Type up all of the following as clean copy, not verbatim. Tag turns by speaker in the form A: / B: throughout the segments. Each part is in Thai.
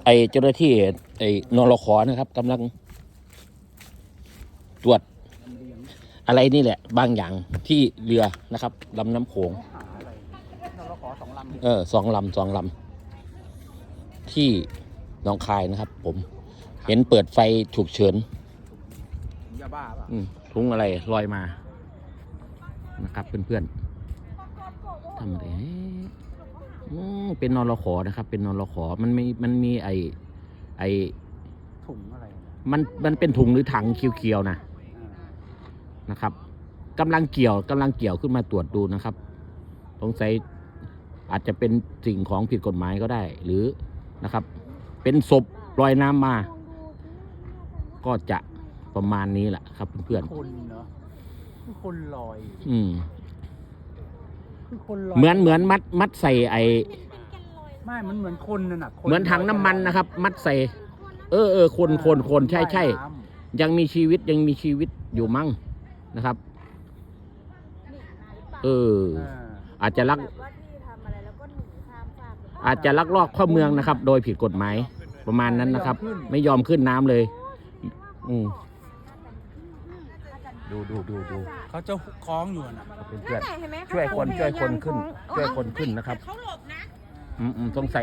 A: ไอเจ้าหน้าที่ไอนรข.นะครับกำลังตรวจอะไรนี่แหละบางอย่างที่เรือนะครับลำน้ำโขง2 ลำที่หนองคายนะครับผมเห็นเปิดไฟฉุกเฉิน
B: ยาบ้าป่ะ
A: ถุงอะไรลอยมานะครับเพื่อนๆทำอะไรเป็นนรข.นะครับเป็นนรข.มันมีไอ
B: ถุงอะไร
A: มันเป็นถุงหรือถังเขียวๆนะครับกำลังเกี่ยวขึ้นมาตรวจดูนะครับสงสัยอาจจะเป็นสิ่งของผิดกฎหมายก็ได้หรือนะครับเป็นศพลอยน้ำมาก็จะประมาณนี้แหละครับเพื่อน
B: คนเนาะคือคนลอย
A: คือคนลอยเหมือนมัดใส่
B: ไม่มันเหมือนคนน่ะนะ
A: เหมือนถังน้ำมันนะครับมัดใส่คนใช่ยังมีชีวิตอยู่มั้งนะครับอาจจะลักลอบเข้าเมืองนะครับโดยผิดกฎหมายประมาณนั้นนะครับไม่ยอมขึ้นน้ำเลยดู
B: เขาจะคล้องอยู่นะ
A: เพื่อนช่วยคนขึ้นนะครับสง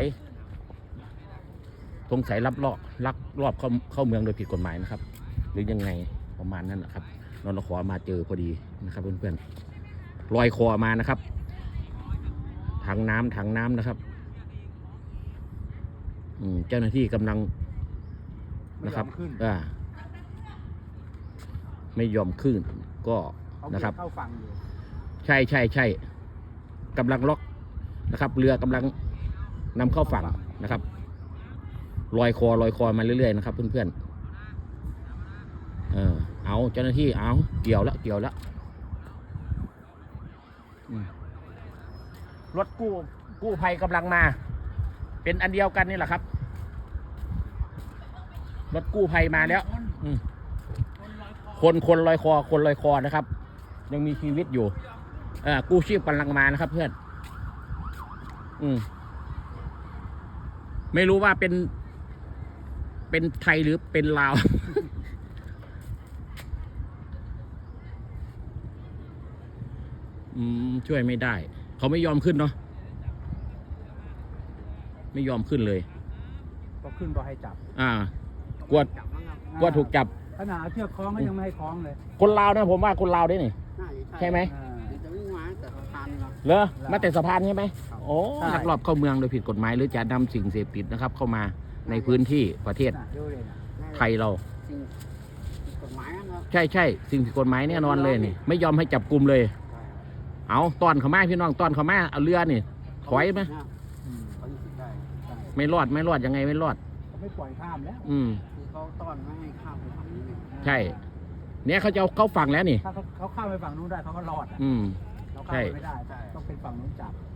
A: สัยลักลอบเข้าเมืองโดยผิดกฎหมายนะครับหรือยังไงประมาณนั้นนะครับนรข.มาเจอพอดีนะครับเพื่อนๆลอยคอมานะครับถังน้ำนะครับเจ้าหน้าที่กำลังนะครับไม่ยอมขึ้นก็นะครับใช่กำลังล็อกนะครับเรือกำลังนำเข้าฝั่งนะครับลอยคอมาเรื่อยๆนะครับเพื่อนๆเอาเจ้าหน้าที่เอาเกี่ยวแล้วรถกู้ภัยกำลังมาเป็นอันเดียวกันนี่แหละครับรถกู้ภัยมาแล้วคนลอยคอนะครับยังมีชีวิตอยู่กู้ชีพกำลังมานะครับเพื่อนไม่รู้ว่าเป็นไทยหรือเป็นลาวช่วยไม่ได้เขาไม่ยอมขึ้นเนาะไม่ยอมขึ้นเลย
B: ก็ขึ้นบ่ให้จับ
A: กลัวถูกจับ
B: ขนาดเชือกคล้องก็ยังไม่ให้คล้องเลย
A: คนลาวนะผมว่าคนลาวด้วยนี่ใช่ไหมเหรอมาแต่สะพานใช่ไหมโอ้ลักลอบเข้าเมืองโดยผิดกฎหมายหรือจะนำสิ่งเสพติดนะครับเข้ามาในพื้นที่ประเทศไทยเราใช่สิ่งผิดกฎหมายแน่นอนเลยนี่ไม่ยอมให้จับกลุ่มเลยเอาตอนเขามาพี่น้องตอนเขามาเอาเรือนี่ถอยไหมไม่รอดยังไงไม่รอด
B: ไม่ปล่อยข้ามแล้ว
C: เขาต้อนไม่ให้ข้ามไปฝั่งนี้
A: ใช่เนี่ยเขาจะเข้าฝั่งแล้วนี่
B: ถ้าเขาข้ามไปฝั่งนู้นได้เขาก็รอด
A: ใช่
B: ไม่ได้ต้องเป็นฝั่งนู้นจับ